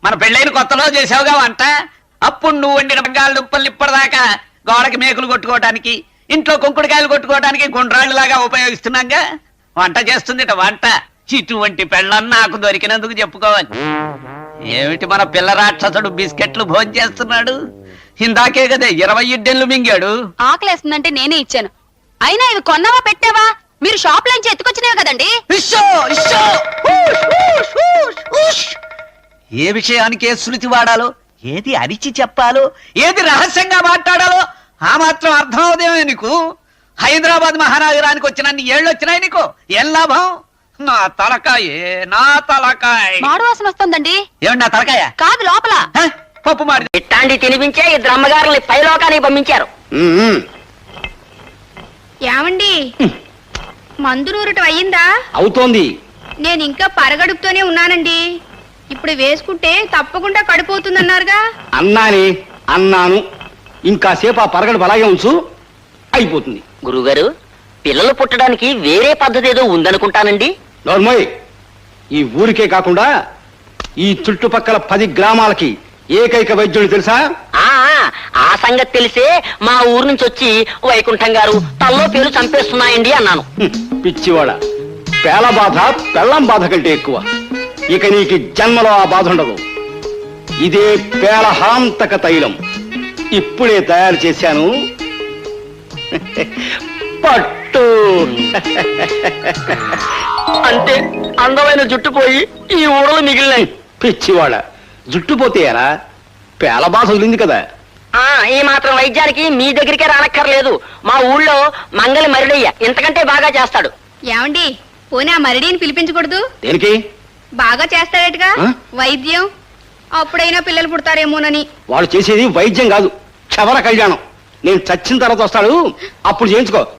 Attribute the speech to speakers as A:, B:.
A: మన పెళ్ళైన కొత్తలో చేసావుగా వంట. అప్పుడు నువ్వు వండిన బంగాళదుంపల్ని ఇప్పటిదాకా గోడకి మేకులు కొట్టుకోవడానికి, ఇంట్లో కుంకుడుకాయలు కొట్టుకోవడానికి గుండ్రాళ్ళలాగా ఉపయోగిస్తున్నాగా. వంట చేస్తుందిట వంట. ఇటువంటి పెళ్ళని నాకు దొరికినందుకు చెప్పుకోవాలి. ఏమిటి మన పిల్ల రాక్షసుడు బిస్కెట్లు భోజనం చేస్తున్నాడు? ఇందాకే కదా 20 ఇడ్డెన్లు మింగాడు.
B: ఆకలేస్తుందంటే నేనే ఇచ్చాను. అయినా ఇవి కొన్నావా పెట్టావా? మీరు షాప్ లోంచి ఎత్తుకొచ్చినవి కదండి.
A: ఏ విషయానికి ఏ శృతి వాడాలో, ఏది అరిచి చెప్పాలో, ఏది రహస్యంగా మాట్లాడాలో ఆ మాత్రం అర్థం అవుదేమో నీకు. హైదరాబాద్ మహానగరానికి వచ్చినన్ని ఏళ్ళు వచ్చినాయి నీకు. ఏం లాభం? నా తలకాయ నా తలకాయ
B: మాడు వాసన వస్తుందండి.
A: ఏమండి నా తలకాయ
B: కాదు లోపల
A: పప్పు మాడి.
C: ఇట్లాంటి తినిపించే ఇద్దరు అమ్మగారుల్ని పైలోకానికి పంపించారు.
D: ఏమండి మందురూరటం అయ్యిందా?
E: అవుతోంది.
D: నేను ఇంకా పరగడుపుతోనే ఉన్నానండి. ఇప్పుడు వేసుకుంటే తప్పకుండా కడిపోతుందన్నారుగా.
E: అన్నాను. ఇంకా సేపు ఆ పరగడు అలాగే ఉంచు, అయిపోతుంది.
C: గురుగారు, పిల్లలు పుట్టడానికి వేరే పద్ధతి ఏదో ఉందనుకుంటానండి.
E: నోర్మోయ్, ఈ ఊరికే కాకుండా ఈ చుట్టుపక్కల 10 గ్రామాలకి ఏకైక వైద్యుడు తెలుసా?
C: ఆ సంగతి తెలిసే మా ఊరు నుంచి వచ్చి వైకుంఠం గారు తల్లో పేరు చంపేస్తున్నాయండి అన్నాను.
E: పిచ్చివాడ, పేల బాధ పెళ్ళం బాధ కంటే ఎక్కువ. ఇక నీకు జన్మలో ఆ బాధ ఉండదు. ఇదే పేలహాంతక తైలం. ఇప్పుడే తయారు చేశాను, పట్టు.
C: అంటే అందమైన జుట్టు పోయి ఈ ఊరలు మిగిలినాయి.
E: పిచ్చివాడ, జుట్టు పోతే ఎలా? పేల బాధ వదిలింది కదా.
C: ఈ మాత్రం వైద్యానికి మీ దగ్గరికే రానక్కర్లేదు. మా ఊళ్ళో మంగళి మరిడయ్య ఇంతకంటే బాగా చేస్తాడు.
D: ఏమండి పోనీ ఆ మరిడీని పిలిపించకూడదు?
E: దేనికి?
D: బాగా చేస్తాడేటగా వైద్యం. అప్పుడైనా పిల్లలు పుడతారేమోనని.
E: వాడు చేసేది వైద్యం కాదు, క్షవర కళ్యాణం. నేను చచ్చిన తర్వాత వస్తాడు, అప్పుడు చేయించుకో.